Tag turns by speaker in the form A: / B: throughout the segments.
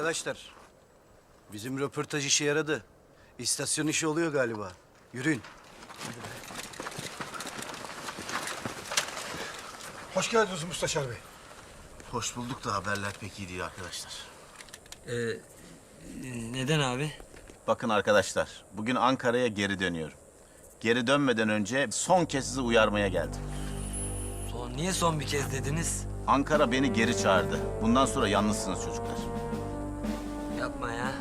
A: Arkadaşlar, bizim röportaj işe yaradı. İstasyon işi oluyor galiba. Yürüyün.
B: Hoş geldiniz Müsteşar Bey.
C: Hoş bulduk da haberler pek iyi değil arkadaşlar.
D: Neden abi?
C: Bakın arkadaşlar, bugün Ankara'ya geri dönüyorum. Geri dönmeden önce son kez sizi uyarmaya geldim.
D: Niye son bir kez dediniz?
C: Ankara beni geri çağırdı. Bundan sonra yalnızsınız çocuklar.
D: Yapma ya.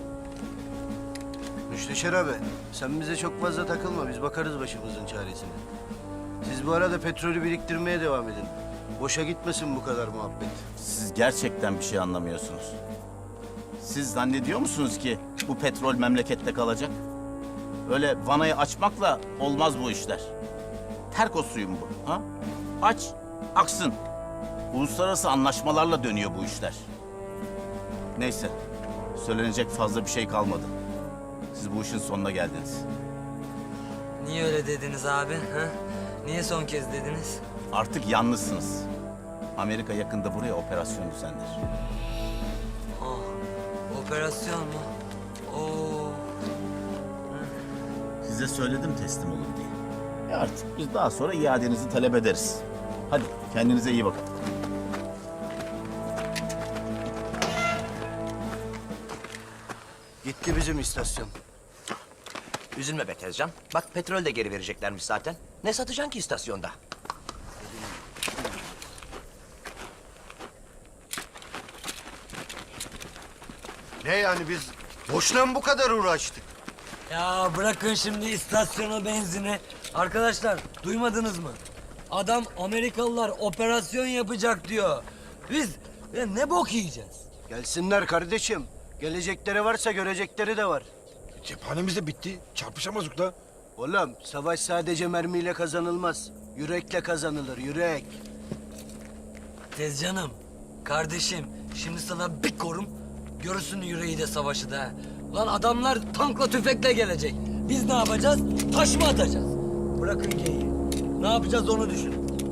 A: Müsteşar abi, sen bize çok fazla takılma. Biz bakarız başımızın çaresine. Siz bu arada petrolü biriktirmeye devam edin. Boşa gitmesin bu kadar muhabbet.
C: Siz gerçekten bir şey anlamıyorsunuz. Siz zannediyor musunuz ki bu petrol memlekette kalacak? Öyle vanayı açmakla olmaz bu işler. Terkos suyu mu bu? Ha? Aç, aksın. Uluslararası anlaşmalarla dönüyor bu işler. Neyse, söylenecek fazla bir şey kalmadı. Siz bu işin sonuna geldiniz.
D: Niye öyle dediniz abi? Ha? Niye son kez dediniz?
C: Artık yalnızsınız. Amerika yakında buraya operasyon düzenler.
D: Oh, operasyon mu? Oo.
C: Size söyledim teslim olun diye. Artık biz daha sonra iadenizi talep ederiz. Hadi kendinize iyi bakın.
A: Gitti bizim istasyon.
E: Üzülme be Tezcan. Bak petrol de geri vereceklermiş zaten. Ne satacaksın ki istasyonda?
A: Ne yani biz boşuna mı bu kadar uğraştık?
D: Ya bırakın şimdi istasyona benzini. Arkadaşlar duymadınız mı? Adam Amerikalılar operasyon yapacak diyor. Biz ne bok yiyeceğiz?
A: Gelsinler kardeşim. Gelecekleri varsa görecekleri de var.
B: Cephanemiz de bitti. Çarpışamazdık da.
A: Oğlum savaş sadece mermiyle kazanılmaz. Yürekle kazanılır, yürek.
D: Tezcanım, kardeşim şimdi sana bir korum. Görürsün yüreği de savaşı da. Lan adamlar tankla tüfekle gelecek. Biz ne yapacağız? Taş mı atacağız? Bırakın geyiği. Ne yapacağız onu düşün.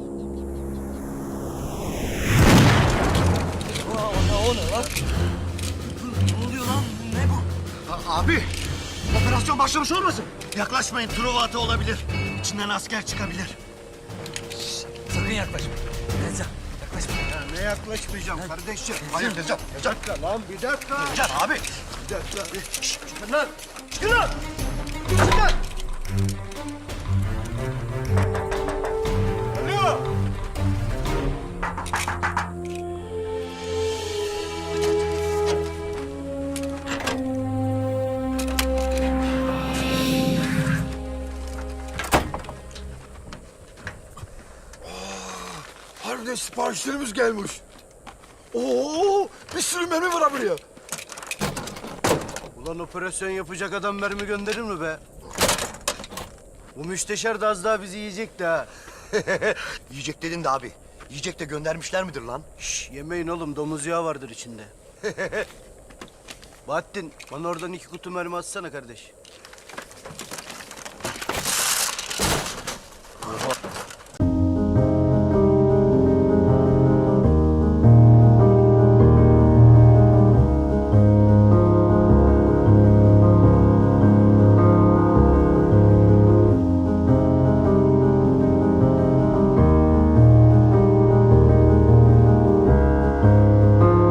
D: O ne lan? Ne oluyor lan? Ne bu?
F: Abi, operasyon başlamış olmasın? Yaklaşmayın, Truva atı olabilir. İçinden asker çıkabilir.
D: Sakın yaklaşma. Tezcan yaklaşma.
A: Ya ne yaklaşmayacağım kardeşim?
F: Hayır Tezcan,
A: Bir dakika lan, bir dakika.
F: Tezcan abi.
A: Bir dakika. Şşt, çıkın lan. Çıkın lan. Çıkın lan. Alo.
B: Harbiden siparişlerimiz gelmiş. Oo, bir sürü mermi var buraya.
A: Ulan operasyon yapacak adam mermi gönderir mi be? Bu müsteşar da az daha bizi yiyecekti ha.
F: Yiyecek dedin de abi. Yiyecek de göndermişler midir lan?
A: Şş, yemeyin oğlum, domuz yağı vardır içinde. Bahattin, bana oradan 2 kutu mermi atsana kardeş.